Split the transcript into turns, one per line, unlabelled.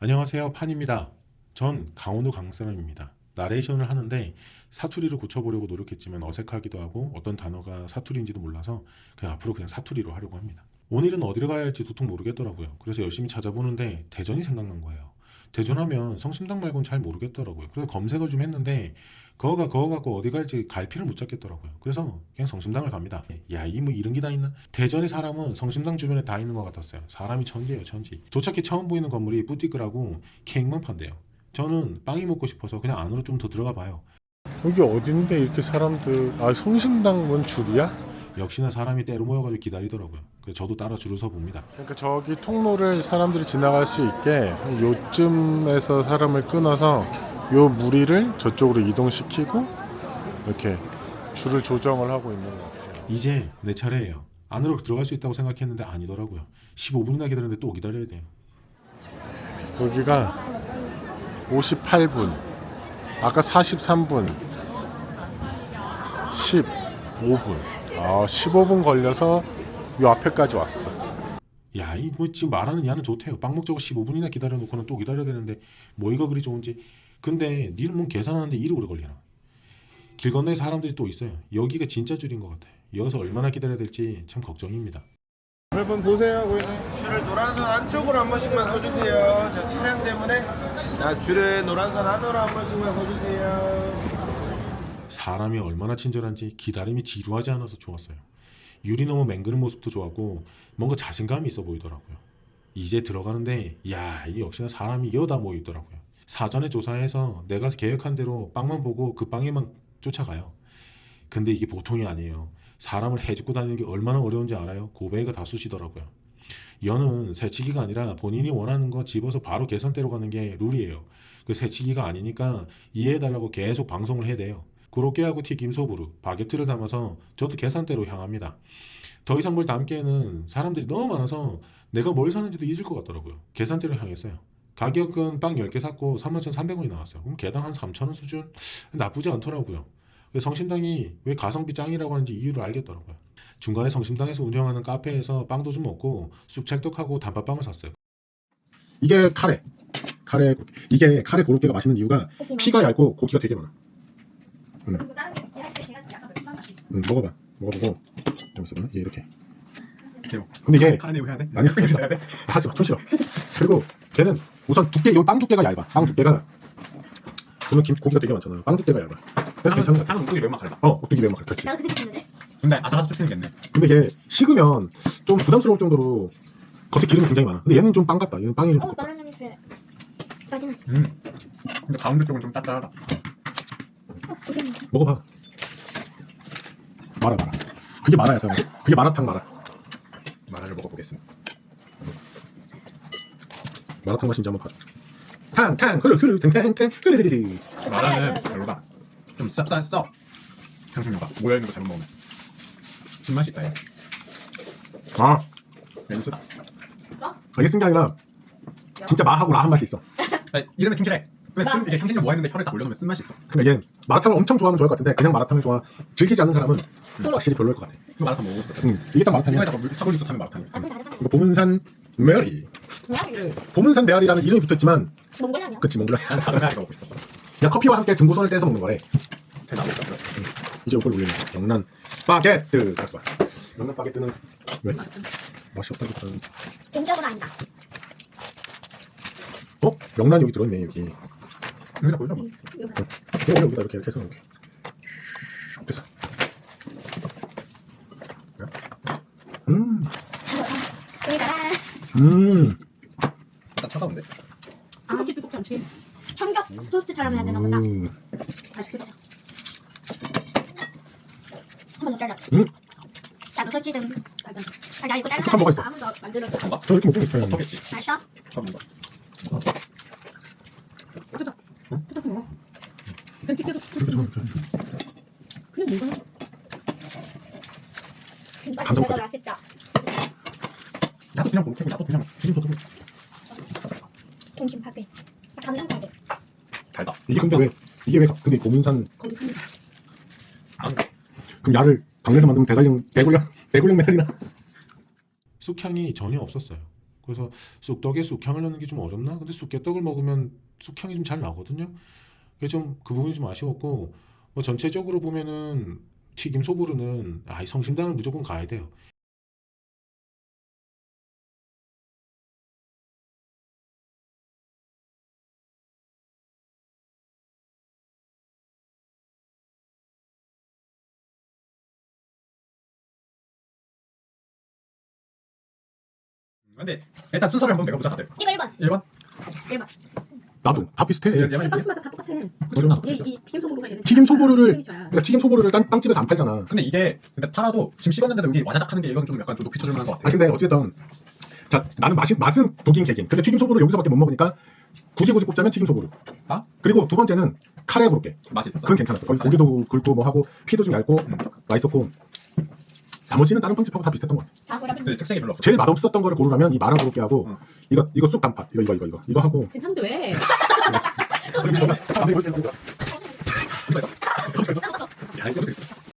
안녕하세요, 판입니다. 전 강원도 강사람입니다. 나레이션을 하는데 사투리를 고쳐보려고 노력했지만 어색하기도 하고 어떤 단어가 사투리인지도 몰라서 그냥 앞으로 그냥 사투리로 하려고 합니다. 오늘은 어디를 가야 할지 도통 모르겠더라고요. 그래서 열심히 찾아보는데 대전이 생각난 거예요. 대전하면 성심당 말고는 잘 모르겠더라고요. 그래서 검색을 좀 했는데 그거 갖고 어디 갈지 갈피를 못 잡겠더라고요. 그래서 그냥 성심당을 갑니다. 야, 이 뭐 이런 게 다 있나? 대전의 사람은 성심당 주변에 다 있는 것 같았어요. 사람이 천지예요, 천지. 도착해 처음 보이는 건물이 뿌띠끄라고 케이크만 판대요. 저는 빵이 먹고 싶어서 그냥 안으로 좀 더 들어가 봐요.
여기 어딘데 이렇게 사람들 성심당 문 줄이야?
역시나 사람이 때로 모여가지고 기다리더라고요. 그래서 저도 따라 줄을 서 봅니다.
그러니까 저기 통로를 사람들이 지나갈 수 있게 요쯤에서 사람을 끊어서 요 무리를 저쪽으로 이동시키고 이렇게 줄을 조정을 하고 있는 것 같아요.
이제 내 차례예요. 안으로 들어갈 수 있다고 생각했는데 아니더라고요. 15분이나 기다렸는데 또 기다려야 돼요.
여기가 58분, 아까 43분, 15분. 15분 걸려서 요 앞에까지 왔어.
야, 이 뭐 지금 말하는 야는 좋대요. 빵 먹자고 15분이나 기다려놓고는 또 기다려야 되는데 뭐 이거 그리 좋은지. 근데 니는 뭐 계산하는데 이리 오래 걸리나. 길 건너에 사람들이 또 있어요. 여기가 진짜 줄인 것 같아요. 여기서 얼마나 기다려야 될지 참 걱정입니다.
여러분 보세요. 고객님 줄을 노란선 안쪽으로 한 번씩만 서주세요. 저 차량 때문에 자 줄을 노란선 안으로 한 번씩만 서주세요.
사람이 얼마나 친절한지 기다림이 지루하지 않아서 좋았어요. 유리 너머 맹그는 모습도 좋았고 뭔가 자신감이 있어 보이더라고요. 이제 들어가는데 야, 이 역시나 사람이 여다 모여 있더라고요. 사전에 조사해서 내가 계획한 대로 빵만 보고 그 빵에만 쫓아가요. 근데 이게 보통이 아니에요. 사람을 해집고 다니는 게 얼마나 어려운지 알아요? 고배가 다 쑤시더라고요. 여는 새치기가 아니라 본인이 원하는 거 집어서 바로 계산대로 가는 게 룰이에요. 그 새치기가 아니니까 이해해달라고 계속 방송을 해야 돼요. 고로케하고 튀김 소보루, 바게트를 담아서 저도 계산대로 향합니다. 더 이상 뭘 담기에는 사람들이 너무 많아서 내가 뭘 사는지도 잊을 것 같더라고요. 계산대로 향했어요. 가격은 빵 10개 샀고 31,300원이 나왔어요. 그럼 개당 한 3,000원 수준? 나쁘지 않더라고요. 성심당이 왜 가성비 짱이라고 하는지 이유를 알겠더라고요. 중간에 성심당에서 운영하는 카페에서 빵도 좀 먹고 쑥찰떡하고 단팥빵을 샀어요. 이게 카레 이게 카레 고로케가 맛있는 이유가 피가 얇고 고기가 되게 많아. 먹어봐. 먹어보고 좀 있어봐. 이게 이렇게. 근데 이게
카레 해야 돼?
아니야. 하지 마. 좀 싫어. 그리고 걔는 우선 두께, 요 빵 두께가 얇아. 빵 두께가 오늘 고기가 되게 많잖아. 빵 두께가 얇아. 그래서 괜찮은 것 같아.
향은 옥두기 매운맛 카레다.
옥두기 매운맛. 그렇지.
나도 그 생각했는데.
근데 아삭아삭 씹히는 게 있네.
근데 걔 식으면 좀 부담스러울 정도로 겉에 기름이 굉장히 많아. 근데 얘는 좀 빵 같다. 얘는 빵이 좀 두껍다.
나는 그래. 마지막.
근데 가운데 쪽은 좀 짭짤하다.
먹어봐. 마라. 그게 마라야, 사람. 그게 마라탕 마라.
마라를 먹어보겠습니다.
마라탕 맛인지 한번 봐줘. 탕 흐르 탕 흐르르르.
마라는 별로다. 좀 쌉싸 향신료가 모여있는 거 잘못 먹으면 신맛이 있다 얘.
아,
멘스다.
이게 쓴 게 아니라 진짜 마하고 라한 맛이 있어.
이름에 충실해. 근데 이게 향신료 모아있는데 혀를 딱 올려놓으면 쓴맛이 있어.
근데 얘 마라탕을 엄청 좋아하면 좋을 것 같은데 그냥 마라탕을 즐기지 않는 사람은 확실히 별로일 것 같아.
이거 마라탕 먹어보고 싶다.
이게 딱 마라탕이야.
이거에다가 사골육수 타면 마라탕이야.
이거 보문산 메아리. 보문산 메아리라는 이름이 붙어있지만
몽골라면.
그치 몽골라.
난 작은 메아리가 먹고 싶었어.
그냥 커피와 함께 등고선을 떼서 먹는 거래.
제 나오고 있다.
이제 이걸 올리는 거야. 명란 바게트. 다시 봐. 명란 바게트는 왜? 맛이 없다니까.
개인적으로 아니다.
명란 여기 들어있네 여기.
여기다 보여줘 뭐.
이거 여기다 이렇게 해서 이렇게. 슉 됐어.
우리가
딱 차가운데.
뜨겁지 뜨겁지 않지. 청격 토스트처럼 해야 되나 보다. 맛있겠어. 한번 더 잘라. 나도 솔직히 좀. 나 이거
어떡한 뭐가 있어?
아무도 만들어서.
잠깐만.
저 이렇게 먹고 있어요.
어떻겠지?
맛있어?
처음 먹어.
뜯어서 먹어. 그냥 찍혀도 그냥 먹어.
감성
맛있다. 맛있다.
나도 그냥 고르고 나도 그냥 튀김소도
동심 파괴. 감정 파괴.
달다.
이게 왜 근데 고문산
거기 삽니다.
그럼 야를 강내에서 만들면 대굴령 메아리나. 쑥향이 전혀 없었어요. 그래서 쑥떡에 쑥향을 넣는 게 좀 어렵나? 근데 쑥개떡을 먹으면 쑥향이 좀 잘 나거든요. 그래서 좀 그 부분이 좀 아쉬웠고 뭐 전체적으로 보면은 튀김 소보루는 이 성심당을 무조건 가야 돼요.
근데 일단 순서를 한번 내가 보자 다들.
이거 1번.
1번.
1번.
나도 다 비슷해.
얘만
빵집마다 다 똑같아.
그럼
이 튀김 소보루가 얘는
튀김 소보루를
시그니처야.
그러니까 튀김 소보루를 빵집에서 안 팔잖아.
근데 이게 근데 팔아도 지금 식었는데도 여기 와자작 하는 게 이건 좀 약간 좀 높이 쳐줄 만한 것 같아.
아 근데 어쨌든 자 나는 맛은 독인 개긴. 근데 튀김 소보루 여기서밖에 못 먹으니까 굳이 꼽자면 튀김 소보루.
아?
그리고 두 번째는 카레 고로케.
맛이 있었어.
그건 괜찮았어. 거기 고기도 굵고 뭐 하고 피도 좀 얇고 맛있었고 나머지는 다른 빵집하고 다 비슷했던 것 같아.
다 그래.
근데 특색이 별로 없어.
제일 맛없었던 거를 고르라면 이 마라 고로케하고
응.
이거 쑥 단팥 이거 하고
괜찮은데 왜?
그리고